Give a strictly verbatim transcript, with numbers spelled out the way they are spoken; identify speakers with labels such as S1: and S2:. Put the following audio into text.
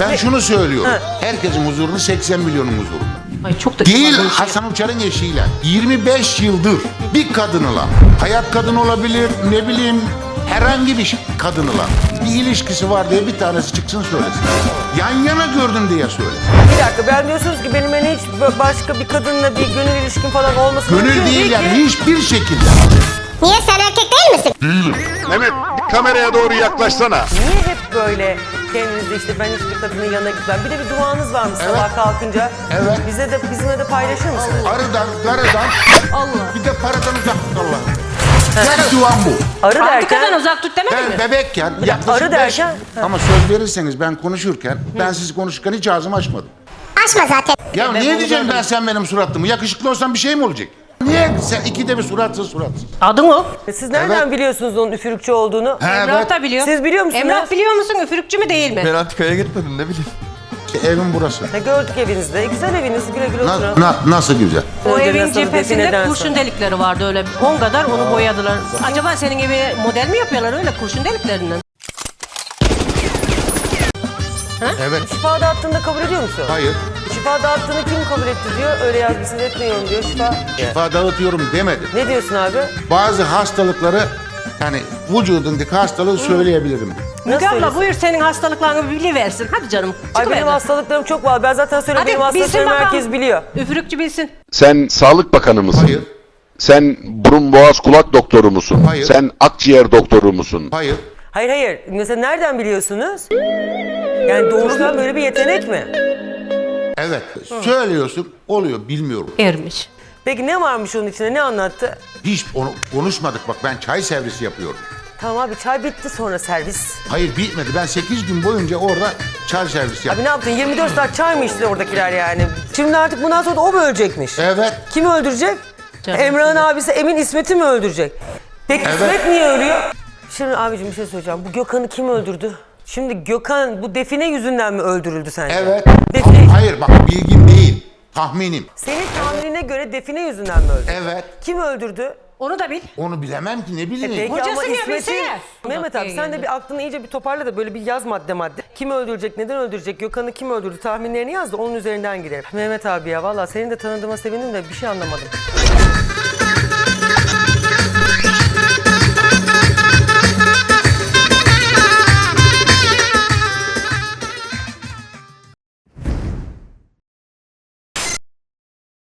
S1: Ben şunu söylüyorum. Ha. Herkesin huzurunu seksen milyonun huzurunda.
S2: Ay çok da
S1: Değil Hasan Uçar'ın eşiyle. yirmi beş yıldır bir kadınla, hayat kadını olabilir, ne bileyim herhangi bir kadınla bir ilişkisi var diye bir tanesi çıksın söylesin. Yan yana gördüm diye söylesin.
S3: Bir dakika, ben diyorsunuz ki benim hani hiç başka bir kadınla bir gönül ilişkin falan olmasın.
S1: Gönül değil yani ki. Hiçbir şekilde.
S4: Niye, sen erkek değil misin?
S1: Değilim.
S5: Mehmet kameraya doğru yaklaşsana.
S3: Niye hep böyle kendinizde işte ben hiçbir kadının yanına gitmem. Bir de bir duanız var mı
S1: Evet.
S3: sabah kalkınca?
S1: Evet.
S3: Bize de bizimle de paylaşır mısınız?
S1: Arıdan, garıdan,
S2: Allah.
S1: bir de paradan uzak tut Allah'ım. Tek duam bu.
S3: Arı
S2: Antikadan
S3: derken
S2: uzak tut demedin
S1: Ben
S2: mi?
S1: bebekken yaklaşık
S3: arı
S1: beş-
S3: derken-
S1: Ama söz verirseniz ben konuşurken, ben siz konuşurken hiç ağzımı açmadım.
S4: Açma zaten.
S1: Ya
S2: E, ben
S1: niye
S2: onu
S1: diyeceğim
S2: gördüm.
S1: ben sen benim suratlımı? Yakışıklı olsam bir şey mi olacak? Niye sen ikide bir suratsız suratsız?
S2: Adın o.
S3: siz nereden
S1: Evet.
S3: biliyorsunuz onun üfürükçü olduğunu?
S1: He,
S2: Emrah
S1: evet.
S2: da biliyor.
S3: Siz biliyor musunuz?
S2: Emrah biliyor musun üfürükçü mü değil mi?
S6: Ben antikaya gitmedim ne bileyim.
S1: İşte evim burası.
S3: Ne gördük evinizde. E, güzel eviniz, güle güle
S1: Na-
S3: oturun.
S1: na- nasıl güzel?
S2: O
S3: Önce
S2: evin
S3: nasıl
S2: cephesinde
S3: defineden
S2: kurşun
S3: sonra.
S2: delikleri vardı öyle on kadar onu boyadılar. Acaba senin gibi model mi yapıyorlar öyle kurşun deliklerinden?
S1: Evet.
S3: Şifa dağıttığında kabul ediyor musun?
S1: Hayır.
S3: Şifa dağıttığını kim kabul etti diyor. Öyle yazmışsınız, etmiyorum diyor şifa.
S1: Şifa dağıtıyorum demedim.
S3: Ne diyorsun abi?
S1: Bazı hastalıkları yani vücudundaki hastalığı söyleyebilirim.
S2: Müge abla
S3: söylesin?
S2: buyur senin hastalıklarını biliversin. Hadi canım.
S3: Ay benim
S2: çıkıver.
S3: hastalıklarım çok var. Ben zaten söyleyeyim, benim
S2: Hadi bilsin
S3: hastalıklarımı
S2: bakalım.
S3: herkes biliyor.
S2: Üfürükçü bilsin.
S5: Sen Sağlık Bakanı mısın?
S1: Hayır.
S5: Sen burun boğaz kulak doktoru musun?
S1: Hayır.
S5: Sen akciğer doktoru musun?
S1: Hayır.
S3: Hayır hayır. Mesela nereden biliyorsunuz? Yani doğuştan böyle bir yetenek mi?
S1: Evet. Söylüyorsun oluyor bilmiyorum.
S2: Ermiş.
S3: Peki ne varmış onun içinde? Ne anlattı?
S1: Hiç onu konuşmadık bak ben çay servisi yapıyorum.
S3: Tamam abi, çay bitti sonra servis.
S1: Hayır bitmedi. Ben sekiz gün boyunca orada çay servisi yaptım.
S3: Abi ne yaptın? yirmi dört saat çay mı içti oradakiler yani? Şimdi artık bundan sonra da o mu ölecekmiş?
S1: Evet.
S3: Kim öldürecek?
S2: Canım.
S3: Emrah'ın abisi Emin İsmet'i mi öldürecek? Peki
S1: Evet.
S3: İsmet niye ölüyor? Şimdi abicim bir şey söyleyeceğim. Bu Gökhan'ı kim öldürdü? Şimdi Gökhan bu define yüzünden mi öldürüldü sence?
S1: Evet.
S3: Define...
S1: Ama hayır bak bilgim değil. Tahminim.
S3: Senin tahminine göre define yüzünden mi öldü?
S1: Evet.
S3: Kim öldürdü?
S2: Onu da bil.
S1: Onu bilemem ki ne bileyim.
S3: Peki
S2: Hocası
S3: ama
S2: niye
S3: İsmet'in...
S2: bilsene?
S3: Mehmet abi sen de bir aklını iyice bir toparla da böyle bir yaz madde madde. Kim öldürecek, neden öldürecek, Gökhan'ı kim öldürdü tahminlerini yaz da onun üzerinden girelim. Mehmet abi ya vallahi seni de tanıdığıma sevindim de bir şey anlamadım.